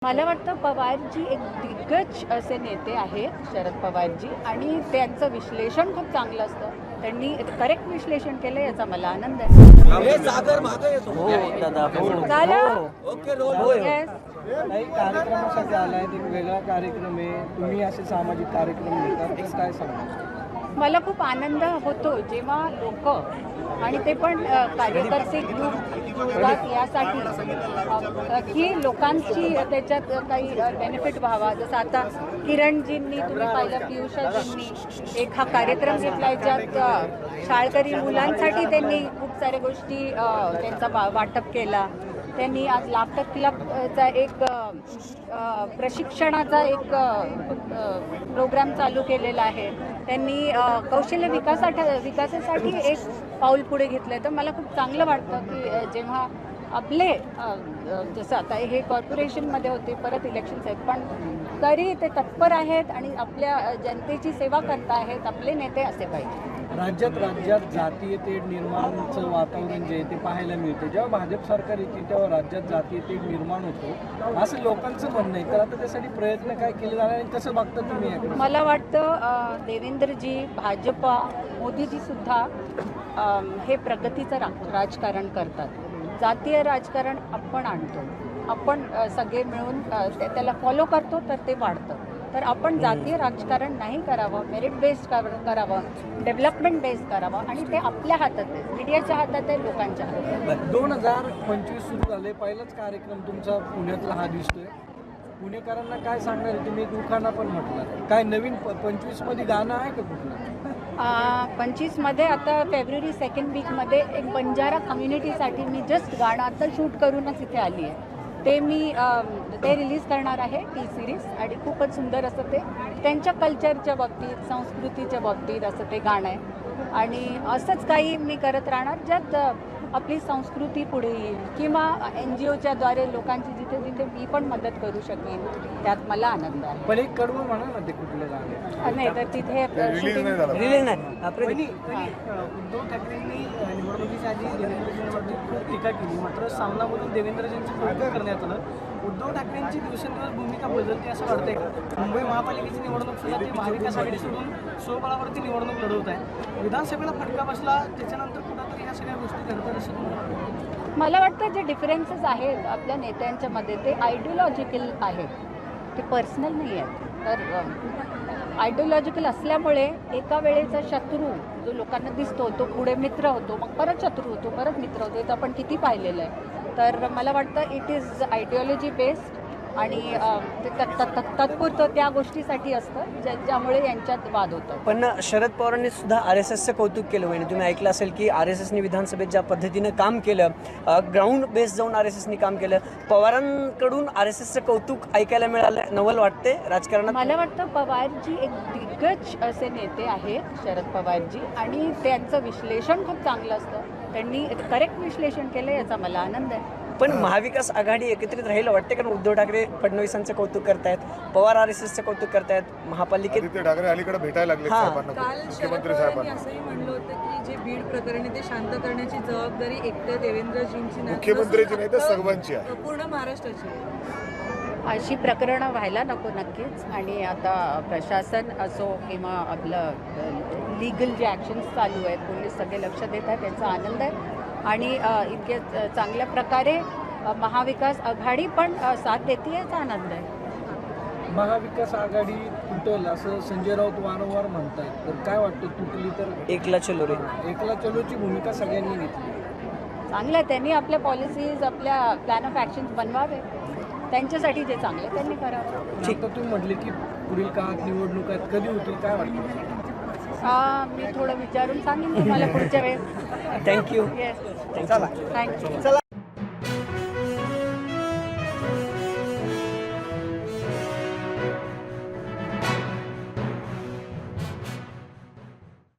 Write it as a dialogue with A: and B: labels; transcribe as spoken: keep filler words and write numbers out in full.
A: मला वाटतं पवारजी एक दिग्गज असे नेते आहेत शरद पवारजी, आणि त्यांचं विश्लेषण खूप चांगलं असतं. त्यांनी करेक्ट विश्लेषण केलं, याचा मला आनंद आहे.
B: हो दादा
A: झालं?
B: Yes.
C: काही कार्यक्रमासाठी आलाय, एक वेगळा कार्यक्रम आहे, तुम्ही असे सामाजिक कार्यक्रम घेतात, तर काय सांगा?
A: मला खूप आनंद होतो जेव्हा लोक, आणि ते पण अ, कार्यकर्ते ग्रुप होतात यासाठी अ, की लोकांची त्याच्यात काही बेनिफिट व्हावा. जसं आता किरणजींनी तुम्ही पाहिलं, पियुषाजींनी एक हा कार्यक्रम घेतला, याच्यात अ, शाळकरी मुलांसाठी त्यांनी खूप साऱ्या गोष्टी अ, त्यांचा वा वाटप केला. त्यांनी आज लाफ्टर क्लबचा एक अ, प्रशिक्षणाचा एक प्रोग्राम चालू केलेला आहे. त्यांनी अ, कौशल्य विकासासाठी विकासासाठी एक पाऊल पुढे घेतलं आहे. तर मला खूप चांगलं वाटतं की अ, जेव्हा आपले अ, अ, जसं आता हे कॉर्पोरेशनमध्ये होते, परत इलेक्शन्स आहेत, पण तरी ते तत्पर आहेत आणि आपल्या अ, जनतेची सेवा करत आहेत. आपले नेते असे पाहिजे.
C: राज्यात राज्यात जातीय तेढ निर्माणचं वातावरण जे आहे ते पाहायला मिळते. जेव्हा भाजप सरकार येते तेव्हा राज्यात जातीय तेढ निर्माण होतो, असं लोकांचं म्हणणं आहे. तर आता त्यासाठी प्रयत्न काय केले जाणार आणि कसं बघता तुम्ही याकडे?
A: मला वाटतं अ, देवेंद्रजी, भाजपा, मोदीजी सुद्धा अ, हे प्रगतीचं रा राजकारण करतात. जातीय राजकारण आपण आणतो, आपण अ, सगळे मिळून अ, त्या- त्याला फॉलो करतो, तर ते वाढतं. तर आपण जातीय राजकारण नाही करावं, मेरिट बेस्ड करावं, डेव्हलपमेंट बेस्ड करावं, आणि ते आपल्या हातात आहे, मीडियाच्या हातात आहे, लोकांच्या हातात आहे.
C: दोन हजार पंचवीस सुरू झाले, पहिलाच कार्यक्रम तुमचा पुण्यातला हा दिसतोय. पुणेकरांना काय सांगणार आहे तुम्ही? एक उखाणा पण म्हटलं, काय नवीन पंचवीस मध्ये गाणं आहे का कुठलं?
A: पंचवीसमध्ये आता फेब्रुवारी सेकंड वीकमध्ये एक बंजारा कम्युनिटीसाठी मी जस्ट गाणं आता शूट करूनच इथे आली आहे. ते मी अम, ते रिलीज करणार आहे, टी सिरीज, आणि खूपच सुंदर असं ते त्यांच्या कल्चरच्या बाबतीत, संस्कृतीच्या बाबतीत असं ते गाणं आहे. आणि असंच काही मी करत राहणार, ज्यात अ, आपली संस्कृती पुढे येईल, किंवा एन जी ओच्या द्वारे लोकांची जिथे जिथे मी पण मदत करू शकेन, त्यात मला आनंद आहे.
C: पण एक कडवं म्हणा ना, ते कुठलं गाणं?
A: अ, नाही तर तिथे shooting-
B: रिलीज नाही आपलं
C: पहिली उद्धव ठाकरेंनी निवडणुकीच्या आधी देवेंद्रजींवरती खूप टीका केली, मात्र सामनामधून देवेंद्रजींचं कौतुक करण्यात आलं. उद्धव ठाकरेंची दिवसेंदिवस भूमिका बदलते असं वाटतंय का? मुंबई महापालिकेची निवडणूक सुद्धा ते महाविकास आघाडी सोडून स्वबळावरती निवडणूक लढवत आहे. विधानसभेला फटका बसला, त्याच्यानंतर कुठंतरी ह्या सगळ्या गोष्टी घडतात असं तुम्हाला वाटतं?
A: मला वाटतं जे डिफरन्सेस आहेत आपल्या नेत्यांच्या मध्ये, ते आयडिओलॉजिकल आहेत, ते पर्सनल नाही आहेत. तर आयडिओलॉजिकल असल्यामुळे एका वेळेचा शत्रू जो लोकांना दिसतो, तो पुढे मित्र होतो, मग परत शत्रू होतो, परत मित्र होतो. हे आपण किती पाहिलेलं आहे. तर मला वाटतं इट इज आयडिओलॉजी बेस्ड, आणि अ, ते तत्- तत्- तत्- तात्पुरतं त्या गोष्टीसाठी असतं ज्या ज्यामुळे यांच्यात वाद होतो.
B: पण शरद पवारांनी सुद्धा आर एस एसचं कौतुक केलं. म्हणजे तुम्ही ऐकलं असेल की आर एस एसनी विधानसभेत ज्या पद्धतीनं काम केलं, ग्राउंड बेस जाऊन आर एस एसनी काम केलं, पवारांकडून आर एस एसचं कौतुक ऐकायला मिळालं. नवल वाटते राजकारणात.
A: मला वाटतं पवारजी एक दिग्गज असे नेते आहेत शरद पवारजी, आणि त्यांचं विश्लेषण खूप चांगलं असतं. त्यांनी करेक्ट विश्लेषण केलं, याचा मला आनंद आहे.
B: पण महाविकास आघाडी एकत्रित राहील वाटते, कारण उद्धव ठाकरे फडणवीसांचं कौतुक करतायत, पवार आर एस एसचं कौतुक करतायत, महापालिकेत
D: आदित्य ठाकरे अलीकडे भेटायला लागले
B: हां.
D: साहेबांना,
E: काल शरद
D: मुख्यमंत्री
E: पवारांनी
D: साहेबांना.
E: असंही म्हणलं होतं की जे बीड प्रकरणी ते शांत करण्याची जबाबदारी एकट्या देवेंद्रजींची नाही,
D: मुख्यमंत्र्यांची नाही तर
E: नसून
D: सर्वांची आहे.
E: पूर्ण महाराष्ट्राची आहे.
A: अशी प्रकरणं व्हायला नको नक्कीच. आणि आता प्रशासन असो किंवा आपलं लीगल जे ॲक्शन्स चालू आहेत, पोलीस सगळे लक्ष देत आहेत, त्यांचा आनंद आहे. आणि अ, इतके अ, चांगल्या प्रकारे अ, महाविकास आघाडी पण अ, साथ देते, याचा आनंद आहे.
C: महाविकास आघाडी तुटल असं संजय राऊत वारंवार म्हणतात, तर काय वाटतं, तुटली तर?
B: एकला चलो रे.
C: एकला चलोची भूमिका सगळ्यांनी घेतली.
A: चांगलं आहे, त्यांनी आपल्या पॉलिसीज, आपल्या प्लॅन ऑफ ॲक्शन्स बनवावे. त्यांच्यासाठी जे चांगलं आहे त्यांनी करावं.
C: ठीक, तर तुम्ही म्हटले की पुढील काळात निवडणूक आहेत, कधी होतील काय वाटतं?
A: आ, मी थोडं विचारून सांगेन तुम्हाला पुढच्या वेळेस.
B: थँक्यू.
A: येस,
C: चला
A: थँक्यू.